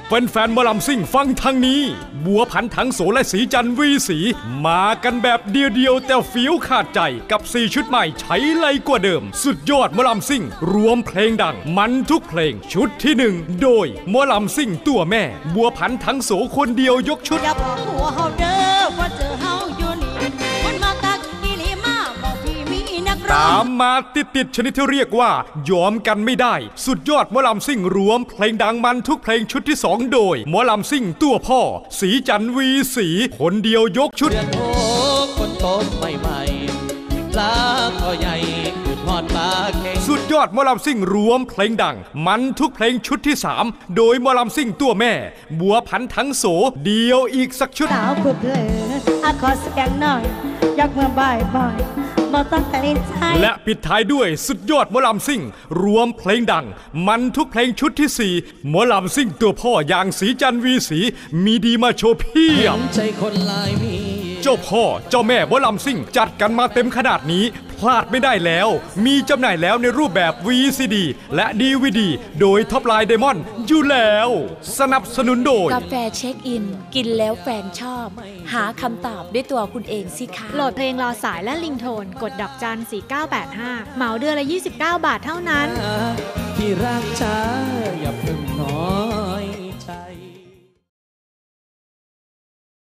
แฟนๆหมอลำซิ่งฟังทางนี้บัวผันถังโสและสีจันวีสีมากันแบบเดียวแต่ฟิวขาดใจกับ4ชุดใหม่ใช้ไรกว่าเดิมสุดยอดหมอลำซิ่งรวมเพลงดังมันทุกเพลงชุดที่1โดยหมอลำซิ่งตัวแม่บัวผันถังโสคนเดียวยกชุดอย่าบอกหัวเฮาเด้อว่าเจอเฮาอยู่นี่คนมาตักอีหลีมาบอกพี่มีนักร้องตามมาติดชนิดที่เรียกว่ายอมกันไม่ได้สุดยอดหมอลำซิ่งรวมเพลงดังมันทุกเพลงชุดที่2โดยหมอลำซิ่งตัวพ่อสีจันวีสีคนเดียวยกชุดคนโตใหม่ๆปลาก็ใหญ่หอดปลาเก่งสุดยอดหมอลำซิ่งรวมเพลงดังมันทุกเพลงชุดที่3โดยหมอลำซิ่งตัวแม่บัวผันถังโสเดียวอีกสักชุดสาวผู้เพลินขอเสียงหน่อยอยากเมื่อบ่ายบ่ต้องแต่ลิ้นใจและปิดท้ายด้วยสุดยอดหมอลำซิ่งรวมเพลงดังมันทุกเพลงชุดที่4หมอลำซิ่งตัวพ่ออย่างสีจันวีสีมีดีมาโชว์เพียบใจคนลายมีเจ้าพ่อเจ้าแม่หมอลำซิ่งจัดกันมาเต็มขนาดนี้พลาดไม่ได้แล้วมีจำหน่ายแล้วในรูปแบบ VCD และ DVD โดยท็อปไลน์ไดมอนด์อยู่แล้วสนับสนุนโดยกาแฟเช็คอินกินแล้วแฟนชอบหาคำตอบด้วยตัวคุณเองสิคะโหลดเพลงรอสายและลิงโทนกดดอกจัน4985เหมาเดือนละ29 บาทเท่านั้นที่รักช้าอย่าเพิ่งนอน